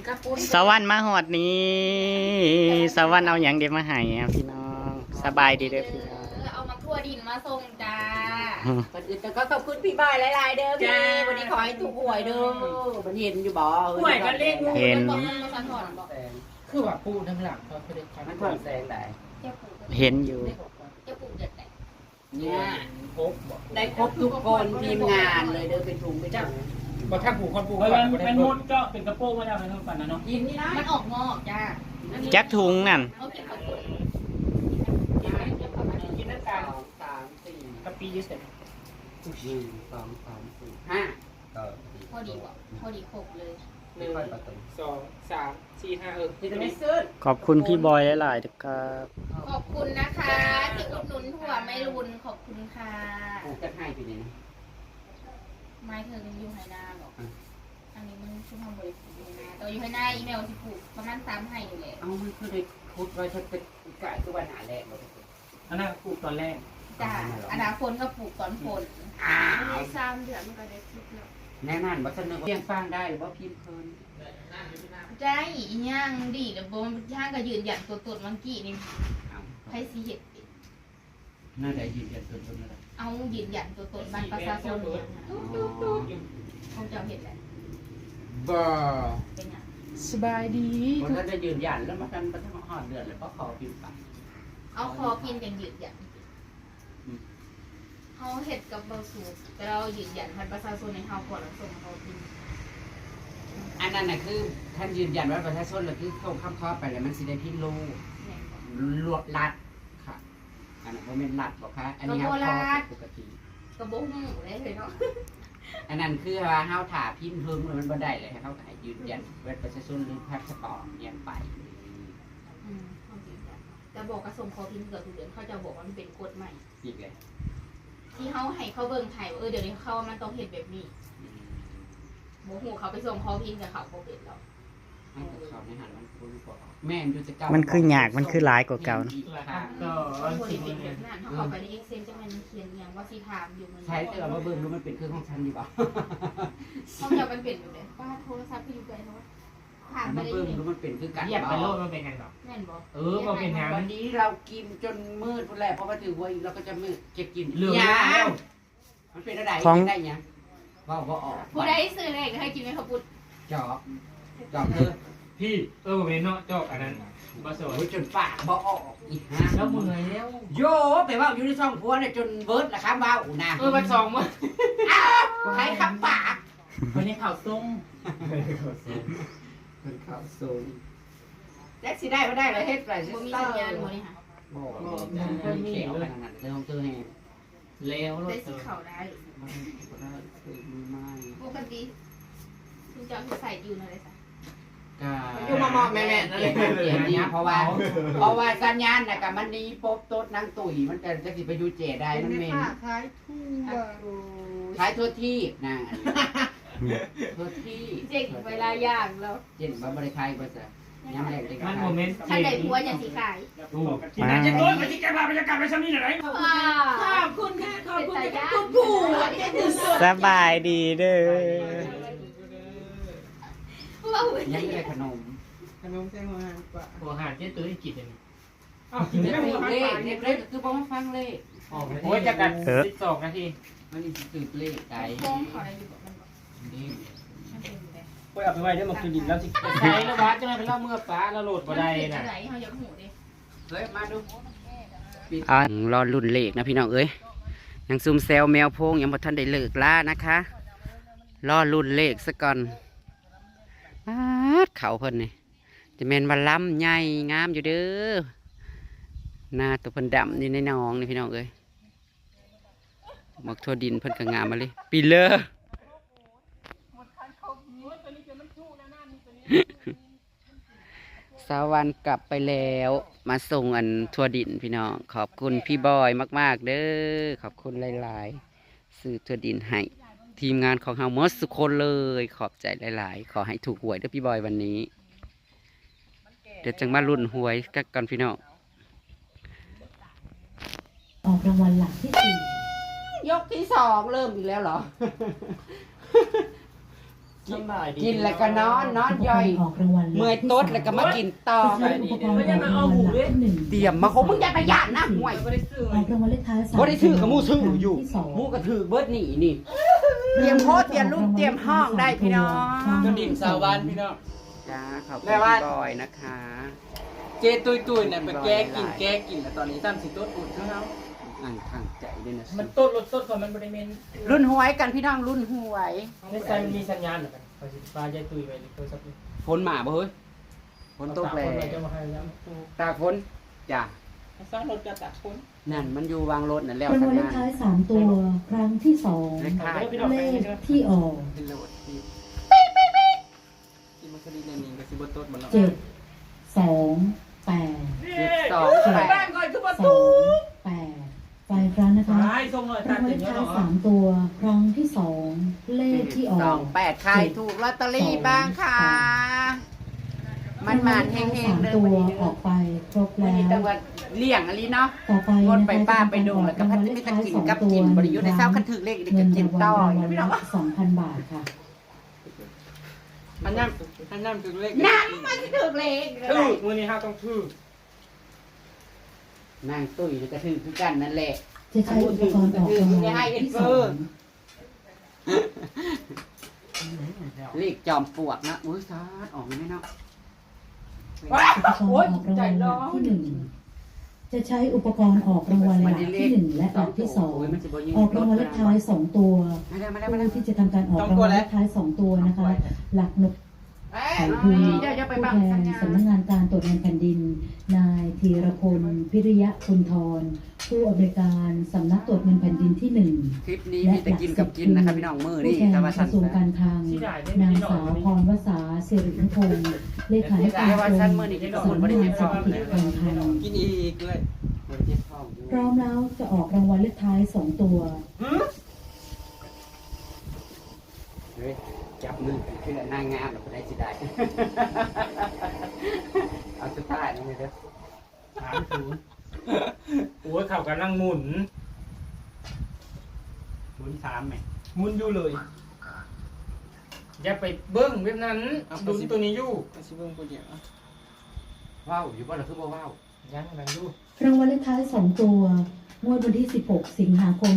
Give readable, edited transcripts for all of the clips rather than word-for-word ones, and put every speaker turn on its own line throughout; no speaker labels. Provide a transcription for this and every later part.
สวรรค์มาหอดนี้สวรรค์เอาอย่างเดียวมาให้พี่น้องสบายดีเด้อพี่น้อง
เอามาทั่วดินมาส่งจ้า
ก่อนอื่นแต่ก็ขอบคุณพี่บอยหลายๆเด้อพี่วันนี้ขอให้ถูกหวยเด้อมันเห็นอยู่บ่
หวยกันเล่น
เห็น
คือว่าปูทั้งหลังเขาคือได้ความ
มันถ่วงแสงได้
เห็นอยู่
จะปลูกเด็ดไหน
เนี่ย
ครบบอก
ได้ครบทุกคนทีมงานเลยเด้อเป็นถุงไปจ้า
บอกถ้าปูคนปูเป็นมดก็เป็นกระโปรงมาจากนั้นปั่นนะเนาะ
ยินนี่นะ
มันออกงอกจ้า
จักถุงนั่น
เขาเก็บเขาปลูก
กินน้ำตาล
สามสี่
กะปิเยอะเสร็จ
สองสามสี่ห้า
พอดีว่ะพอดีครบเลย
1 2 3 4 5
ที่จะไม่ซื้อ
ขอบคุณพี่บอยหลายๆนะครับ
ขอบคุณนะคะที่อุดหนุนถั่วไม่รุนขอบคุณค่ะ
จะให้ไปนี่นะ
ไม้เธออยู่ไหหน้าหรอกอันนี้มันชุ่มทำบริสุทธิ์อยู่นะแต่อยู่ไหหน้าอีเมลที่ปลูกประมาณ3ให้อยู่เลย
เอามันคือได้คุดไว้ถ้าเป็นกะคือวันหาแรกเรา
อันนั้นปลูกตอนแรก
จ้าอนาคตก็ปลูกตอนฝน
อ้าว
3 เดือนมันก็ได้ปลูกแล้ว
แน่นอนว่าเสนอเพียงฟังได้หรือว่าพิมพ์เพลิน
ใจอีหย่างดีแต่บ่มันย่างก็ยืนยันตัวตนเมื่อกี้นี่ใครสิเฮ็ด
น่าจะยืนยันตัวตนอะไร
เอายืนยันตัวตนบ้านประชาชนเนี่ยเขาจะเห็นแหละ
บ่
เป็นยัง
สบายดี
คนถ้าจะยืนยันแล้วมาทำประทับหอดเดือนเลยเพราะขอพิมพ์ไป
เอาคอพินเป็นยืนยันเขาเห็ดกับเบอร์สูตรแต่เรายืนยันบัตรประชาชนในเขาก่อนแล้วส่งเขาพิน
อันนั้นน่ะคือท่านยืนยันว่าประชาชนเราคือเข้าข้ามข้อไปแล้วมันสิได้พิมพ์รู้
แม่นบ่
ลวดลัดค่ะอันนั้นก็เป็นลัดบอกค่ะอันนี้ครับปกติ
กระโบกหูเลยเนาะ
อันนั้นคือว่าเฮาถ่าพิมพ์เพิ่มมันบ่ได้เลยให้เขาขายยืนยันว่าประชาชนหรือพาสปอร์ตเนี่ยไป
เขายืนยันแต่บอกกระส่งเขาพินเกิดทุกเดือนเขาจะบอกว่ามันเป็นกฎใหม่
อีกเลย
ที่เขาให้เขาเบิ่งไทยว่าเดี๋ยวนี้เขามันต้องเห็นแบบนี้โมโหเขาไปส่งเขาพินกับเขาโปรเป็นแล้ว
ให้เขาในหันมันคุ้นกว่าแม่อยู่จะเก่า
มันคือหยากมันคือหลายกว่าเก่าเนอะ
ก็
คนที่เป็นแบบนั้นเขาเข้าไปใน Excel จะมันเขียนอย่างว่าสีถามอยู่มัน
ใช้แต่ว่าเบิ่งรู้มันเป็นเครื่องของฉันอยู่ป่ะ
เขาจะมันเป็นอยู่เลยว่าโทรศัพท์ที่อยู่ไกลเขาถามไป
มัน
ได้
เบิ่ง
ยังไง
รู้มันเป็นคือกัน
เหยียบไปโลดมันเป็นไงหรอ
แม่นบอก
มันเป็นงาน
วันนี้เรากินจนมืดพุ่นแหละเพราะว่าถือว่าเราก็จะมืดจะกิน
เหลือง
ยา
แล้ว
มันเป็นอะไรได้ยังว่าบ่ออก
ผู้ใดซื้อเลขให้กินไหมครับพุทธ
จอบจอบเธอ
พี่ผมเป็นเนาะจอกอันนั้นบาสวย
โอ้ยจนปากบ่ออกอีกฮะ
แล้วมือแล้ว
โยไปว่าอยู่ในช่องพัวเนี่ยจนเบิร์ดละครับว่าอูนะ
มันสองมั้ง
ใครขับปาก
วันนี้ข่าวส้ม
เป็นข้าวสูงแท็กซี่ได้ก็ได้เลยเฮ็ดไป
บ่มีสัญญาณบ่นี่ค่ะ
บ่มีเขียวขนาดนั้นเรื่องของเธอแห่
แล้ว
ได้สิเขาได้
มันก็ได้คือไม่
ปกติคุณจะใส่อยู่ในอะไรสัก
อยู่มอแม่ๆนั่นแหละเนี่ยเพราะว่าสัญญาณน่ะกับมันนี้ปบโต๊ดนางตุ๋ยมันจะสิไปอยู่เจได้มันเมนขายทั่วที่นะทั่วที่
เจ๊งเวลาย่างแล้ว
เจนบ่ได้ขายบ่ซะยามแรกได้
มันโมเมนต์
ถ้าได้ผัวอย่างสีขาย
ที่ไหนจะต้นไปที่แกพาบรรยากาศไปซ้ำนี่ไหน
ขอบคุณค่ะขอบคุณค่ะคุณผู้
สบายดีเด้อ
ยังได้ขนม
หัวหาดที่ตัวที่จิตเลย
เด็กเล็กคือบ่มาฟังเลย
โอ้ยจะกัน12 นาที
มันนี่สืบเลขไก่
โค้งขออะไรอยู่บอกมันบอก
นี่
มันเป็นอยู่เลย
ไปเอาไปไว้ได้มาคืนดินแล้วสิใช้แล้ววัดจะไม่เป็นเล่าเมื่อฟ้าแล้วโหลดบ่ได้
มัน
นะ
เป็นอะไรเขาอยากหูดิ
เฮ้ยมาดู
รอรุ่นเลขนะพี่น้องเอ้ยยังซุ่มแซวแมวโพงยังบ่ทันได้เลิกล่านะคะรอรุ่นเลขซะก่อนเขาเพิ่นนี่จะแม่นว่าล้ำใหญ่งามอยู่เด้อหน้าตัวเพิ่นดำนี่ในหนองนี่พี่น้องเอ้ยหมอกทั่วดินเพิ่นก็งามมาเลยปีเลอสาวันกลับไปแล้วมาส่งอันทั่วดินพี่น้องขอบคุณพี่บอยมากๆเด้อขอบคุณหลายๆซื้อทั่วดินให้ทีมงานของเฮาหมดสุกคนเลยขอบใจหลายๆขอให้ถูกหวยเด้อพี่บอยวันนี้เดี๋ยวจังมาลุ้นหวยกันพี่น้อง
ออกรางวัลหลักที่4
ยกที่สองเริ่มอีกแล้วเหรอกินแล้วก็นอนย่อย
ออกรางวัล
เมื่อยต๊ดแล้วก็มากินต่อ
จะใช้อุปกรณ์ออกรางวัลหลักที่หนึ่ง
เตรียมมาคงมึงอย่าไปหยาดนะห่วย
ออกรางวัลเลขท้าย3
บ่ได้ซื้อกับหมู่ซื้ออยู่
ที่สอง
หมู่ก็ถือเบิดนี่นี่เตรียมโพสเตรียมรูปเตรียมห้องได้พี่น้อง
กระดิ่งสาววันพี่น้อง
จ้าขอบคุณ
แม่ว่า
พี่บอยนะคะ
เจตุยเนี่ยไปแก้กินแล้วตอนนี้ซ้ำสิต้นอุดเขา
อ่างทางใจด้วยนะ
มันต้นรถต้นก่อนมันบริเวณ
รุ่นหวยกันพี่น้องรุ่นหวย
ในใจมันมีสัญญาณเหมือนกันพอสิฟ้าใจตุยไปโทรศัพท์
ฝนมาบ่เฮ้ยฝนตกแล้ว
จะมาให้ย้ำ
ตากฝนจ้ะ
สร้างรถจะตัดคน
นั่นมันอยู่วางรถนั่นแล้ว
ราง
สั
วั
ญ
ลเลข
ญาณ
ท้าย3ตัวครั้งที่2
เลขท้าย
เลขที่ออก
เป็นโหลดที่
ที่มันคดีในนี้ก็สิบต้นมันเนาะ
7 2 8
728
ก่อนคือประ
2 8ไปครั้งนะคะ
ให้ส่งหน่อย
รา
ตาง
วัล
เต็
เล
ม
ข
เยอะ
ท้าย
เนาะ
3ตัวครั้งที่2เลขที่ออก
28ใครถูกลอตเตอรี่บ้างค่ะมันหมานเฮงๆเลย
ตัว
วันนี้
ออกไปครบ
วัน
แล้
นี้
ว
จังหวัดเลี่ยงอะไรเนาะ
ต่อไป
งด
นะคะ
ไปป้าไปดูแล้วก็พัดไม่ตะกินกับกินบริยุทธ์ในเช้าคันถือเลขเด็ก
เงิน
กิน
รางวัล
ต่อ
รางวัล
พี่
ละ
น้อง
2,000 บาทค่ะ
อันนั้นถึงเลข
น้ำมันถือเลข
ถือมือนี้ห้าต้องถือน
างตุ้ยก็ถือคือกันนั่นแหละ
จะใช้อุปกรณ์ออกรางวัลที่สอง
เลขจอมปลวกนะอุ้ยซาดออกไหมเนาะ
อุปกรณ์ออกรางวัลหลักที่หนึ่งจะใช้อุปกรณ์ออกรางวัลหลักที่หนึ่งและหลักที่สองออกรางวัลเลขท้าย2ตัว
มาแล้วมาแล้วมาแล้ว
ผู้ที่จะทำการออกรางวัลเลขท้าย2ตัวนะคะ หลักนก ไข่ภูมิ
เดี๋ยวจะไป
ผู้
บัง
แท
สัญ
น
ญา
สำนักงานการตรวจเงินแผ่นดิน นายธีรพลพิริยะคุณทรผู้อำนวยการสำนักตรวจเงินแผ่นดินที่ 1
คลิปนี้มีแต่กินกับกินนะครับพี่น้องมือ
ผู้
นี่
แทน
แต่
ก
ว่า
ระ
สั้น
ทรวงการคลังนางสาวพรวษาสิรินุพงศ์เลขาธิการกรมสำนักงานเศรษฐกิจการคลัง
กินอีกเลย
พร้อมแล้วจะออกรางวัลเลขท้าย2ตัว
เฮ้ยจับมือกันคือนางงามเราได้สิได้ เอาสุดท้ายนี่เลยเด้อ
โอ้ยข่าวกันนั่งหมุน
หมุนสามไหม
หมุนอยู่เลยอย่าไปเบิ้งเว็บนั้นดูตัวนี้อยู่สิเบิ้งตัวเดียว
ว้าวอยู่บ่เราคือบ่ว้าว
ยังนั่งอยู่
รางวัลเลขท้าย2ตัวงวดวันที่16 สิงหาคม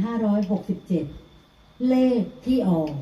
2567 เลขที่ออก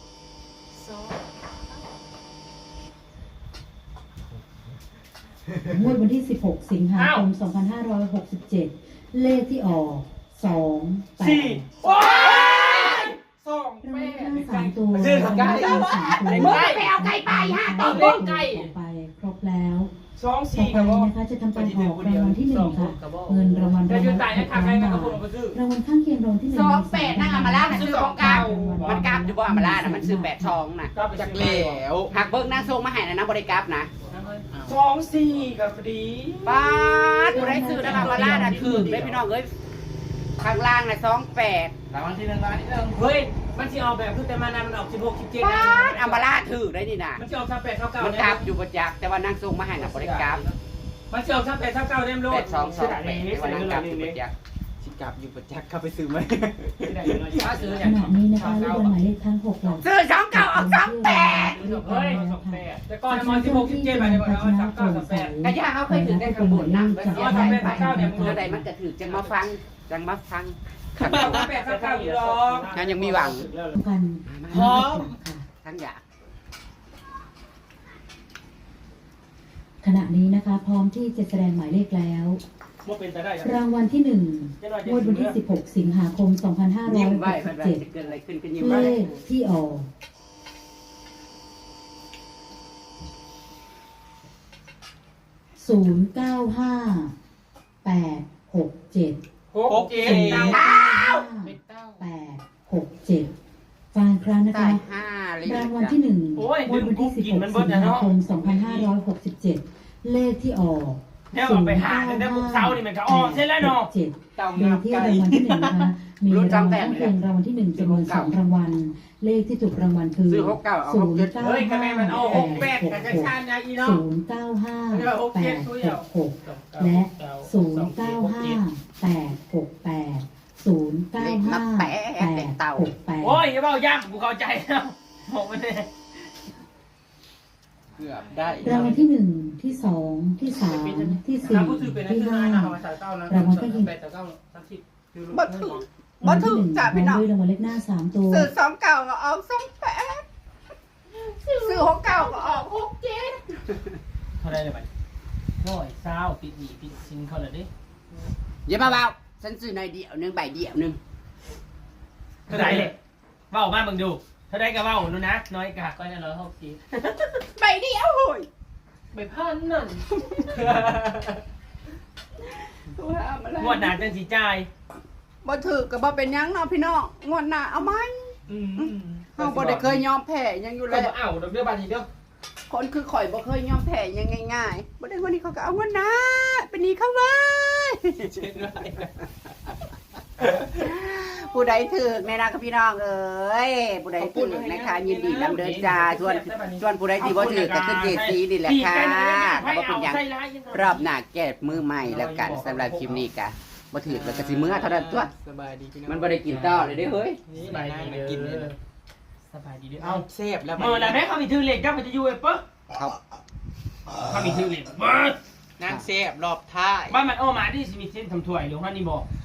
งวดวันที่16 สิงหาคม 2567 เลขที่ออก2
สี่
8
โอ้ยสอง
รางวั
แม่
ลเลขท้าย3ตัว
ซื้อไก่
รางวัลเลขท้าย3ตัว
มึงไปเอาไก่ไปฮะ
เอาเลขไก่
ออกไปครบแล้ว
สอง
ต่อ
สี่
ไป
กับว่า
นะคะจะทำการออกรางวัลที่1ค่ะเงินรางวัล
จะ
ราง
ยื
วัล
นตาย
6
นะขาใคร
ล้าน
นะ
บา
คน
ท
มาซื้อ
รางวัลข้างเคียงรางวัลที่1
28นั่งอามาล่าน่ะซื้อของเก่ามันกลับอยู่บ่อามาล่าน่ะมันซื้อ82น่ะ
ก็ไปจากแล้ว
หากเบิ่งนางทรงมาให้นะบริกรับนะ
สองสี่กับพอดี
ป้าดกูได้ซื้อนางอามาล่าน่ะถือได้พี่น้องเอ้ยข้างล่างน่ะ28
รางวัลที่หนึ่งเฮ้ยมันจะเอาแบบคือแต่มานานมันออก16 17
ป้าดอามาล่าถือได้นี่น่ะ
มันจะออก38 9
มันกลับอยู่ประจักษ์แต่ว่านางทรงมาให้น่ะบริกรับ
มันจะออก38 9เต็มโลด
8228แต่ว่านางกลับอยู่ประจักษ์
สิกลับอยู่ประจักษ์เข้าไปซื้อไหมถ้าซื้อ
ข
อย่าง
ณะนี้นะคะลูกบอลหมายเลขทั้ง6หลัก
ซื้อ2เก่าออก28
เฮ้ย28แต่ก่อนมัน16 17ไปเนี่ยมันเอา39 38
กะย่าเขาเคยถือได้ข้างบนนั่งไปเสียไปไปเมื่อใดมันก็ถือจังมาฟังขับ
38 9อยู่หรอก
งั้นยังมีหวัง
กัน
พร้อม
ทั้งอยาก
ขณะนี้นะคะ พร้อมที่จะแสดงหมายเลขแล้ว
ว่าเป็นไปได้
รางวัลที่1งวดวันที่16 สิงหาคม
ยิ้มไว้มันจะ
2567
เกิดอะไรขึ้นก็ยิ้ม
เล
ไว้
ขที่ออก095867 867ฟังครั้งนะ
ตา
คะ
ย5เลย
รางวัลที่1งวดวันที่16 สิงหาคม 2567 เลขที่ออก
เนี่ยไปหาในพวกเสานี่มันก็ออกเสร็จแล้วเนาะ
เต่า
โด
งั
ย
บ
ที่
ไก่
รางวัลที่1นะคะมีรางวัลข้างเคียงรางวัลที่1จำนวน2รางวัล เลขที่ถูกรางวัลคือ
ซื้อ6 9เอา6 7
เฮ้ยคะแนนมันเอา68กับกระชานยาอีเนาะ
095866และ095868
เล็กมาแปะเต่า
โอ้ย
095868
อย่าเบาย่างกูเข้าใจแล้วบอกไม่ได้
เกือบได้
รางวัลที่1ที่2ที่3ที่4
ถ้าผู้ถือเป็นนัก
ที่
เรียนนะภาษาเก้านะ
รางวัลก็ยิง
8 9 30
บ่ถึง
รางวัลที่1พร้อมด้วยรางวัลเลขหน้า3ตัว
ซื้อ2 เก่าก็ออก2 8ซื้อ6 เก่าก็ออก6 7
เท่าไรเลยไป120ปิดหนีปิดซิงเขาเลยดิ
อย่ามาเบาฉันซื้อในเดียวหนึงใบเดียวหนึง
เท่าไรเลยเว้ามาเบิ่งดูเท่าไรก็เว้าดูนะน้อยกะก็จะ160
ใบเดียวโอ้ย
ไปพันนั่น
ว่ามาแล้ว
งวดหน้าจังสิจ่าย
บ่ถือก็บ่เป็นหยังเนาะพี่น้องงวดหน้าเอาไหมเฮาบ่ได้เคยยอมแพ้หยังอยู่
ก็
แล้ว
บ่เอาดอกเบี้ยบาทอีกเด้อ
คนคือข่อยบ่เคยยอมแพ้หยังง่ายๆบ่ได้วันนี้เขาก็เอางวดหน้าเป็นหนี้เขาไว้
เช็ดด้วย
ผู้ใดถือแม่นะกับพี่น้องเอ้ยผู้ใดถือนะคะยินดีนำเดินจ้าชวนผู้ใดที่บ่ถือก็คือเจซีนี่แหละค่ะบ่เป็นหยังรอบหน้าแก้มือใหม่แล้วกันสำหรับคลิปนี้ก็บ่ถือแล้วก็สิมื้อเท่านั้นตัว
สบายดีพี่น้อง
มันบ่ได้กินต่อเลยเด้เฮ้ย
สบายดีกินเลยสบายดีด้วยเอา
เซฟแล้ว
เมื่อไรแม่เขามีถือเหล็กก็มันจะอยู่ไอ้ปุ๊บ
ครับ
เขามีถือเหล็กเบิร์ด
นางเซฟรอบท้าย
บ้านมันโอ้มาที่สิมีเส้นทำถ้วยหรือว่านี่บอก